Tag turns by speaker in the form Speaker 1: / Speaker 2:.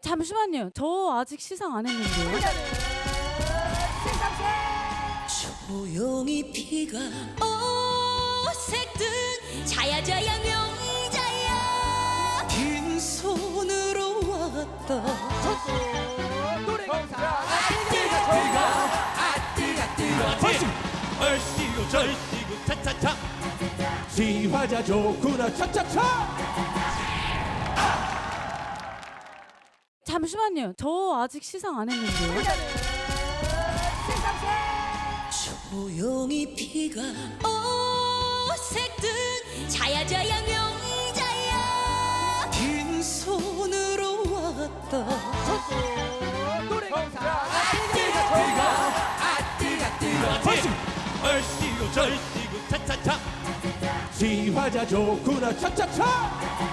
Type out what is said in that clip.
Speaker 1: 잠시만요. 저 아직 시상 안 했는데요.
Speaker 2: 조용히 피가 오색든 자야자야 명자야 빈손으로 왔다
Speaker 3: 얼씨구 절씨구 차차차 지화자 좋구나 차차차.
Speaker 1: 잠시만요. 저 아직 시상 안 했는데요.
Speaker 2: 조용히 피가 오색든 자야자야 명자야 빈손으로 왔다
Speaker 3: 얼씨구 절씨구 차차차 지화자 좋구나 차차차.